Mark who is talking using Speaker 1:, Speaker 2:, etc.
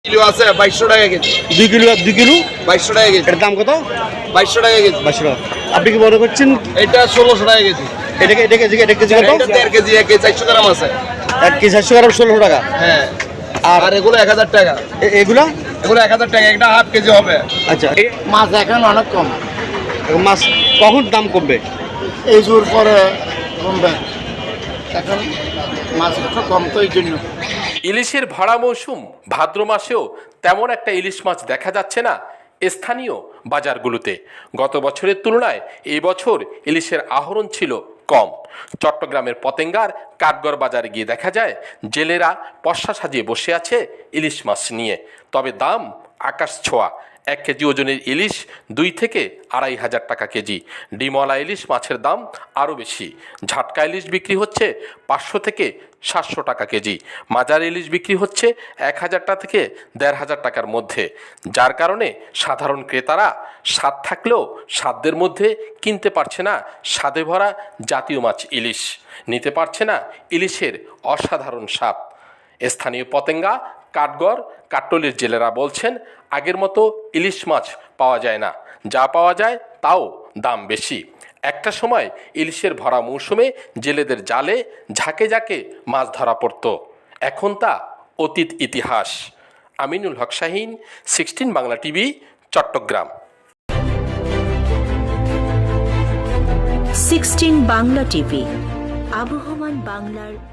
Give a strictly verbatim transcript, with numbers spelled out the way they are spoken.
Speaker 1: Kilo আছে বাইশশো টাকা কেজি।
Speaker 2: দুই কিলো দুই কিলো
Speaker 1: বাইশশো টাকা কেজি।
Speaker 2: এটার দাম কত?
Speaker 1: বাইশশো টাকা কেজি।
Speaker 2: বাইশশো টাকা। আপনি কি মনে করছেন
Speaker 1: এটা ষোলোশো টাকা কেজি।
Speaker 2: এটাকে এটা কেজি এটা কেজি কত?
Speaker 1: এটা দেড় কেজি এক কেজি চারশো গ্রাম আছে।
Speaker 2: এক কেজি চারশো গ্রাম ষোলোশো টাকা।
Speaker 1: হ্যাঁ
Speaker 2: আর
Speaker 1: আর এগুলো এক হাজার টাকা।
Speaker 2: এ- এগুলা
Speaker 1: এগুলো এক হাজার টাকা, একটা হাফ কেজি হবে।
Speaker 2: আচ্ছা এ-
Speaker 3: মাছ এখন অনেক কম,
Speaker 2: মাছ কখন দাম কমবে?
Speaker 3: এই জোর পরে কমবে। এখন মাছ একটু কম তো এই জন্য।
Speaker 4: ইলিশের ভরা মৌসুম ভাদ্র মাসেও তেমন একটা ইলিশ মাছ দেখা যাচ্ছে না স্থানীয় বাজারগুলোতে। গত বছরের তুলনায় এই বছর ইলিশের আহরণ ছিল কম। চট্টগ্রামের পতেঙ্গার কাঠগড় বাজারে গিয়ে দেখা যায় জেলেরা পশা সাজিয়ে বসে আছে ইলিশ মাছ নিয়ে, তবে দাম আকাশ ছোঁয়া। এক কেজি ওজনের ইলিশ দুই থেকে আড়াই হাজার টাকা কেজি। ডিমলা ইলিশ মাছের দাম আরও বেশি। ঝাটকা ইলিশ বিক্রি হচ্ছে পাঁচশো থেকে সাতশো টাকা কেজি। মাজার ইলিশ বিক্রি হচ্ছে এক হাজার টাকা থেকে দেড় হাজার টাকার মধ্যে, যার কারণে সাধারণ ক্রেতারা স্বাদ থাকলেও সাধ্যের মধ্যে কিনতে পারছে না স্বাদে ভরা জাতীয় মাছ ইলিশ, নিতে পারছে না ইলিশের অসাধারণ স্বাদ। স্থানীয় পতেঙ্গা কাঠগড় কাট্টলের জেলেরা বলছেন আগের মতো ইলিশ মাছ পাওয়া যায় না, যা পাওয়া যায় তাও দাম বেশি। একটা সময় ইলিশের ভরা মৌসুমে জেলেদের জালে ঝাঁকে ঝাঁকে মাছ ধরা পড়ত, এখন তা অতীত ইতিহাস। Aminul Haque Shaheen, sixteen Bangla TV, Chattogram.
Speaker 5: Sixteen Bangla TV, আবহমান বাংলার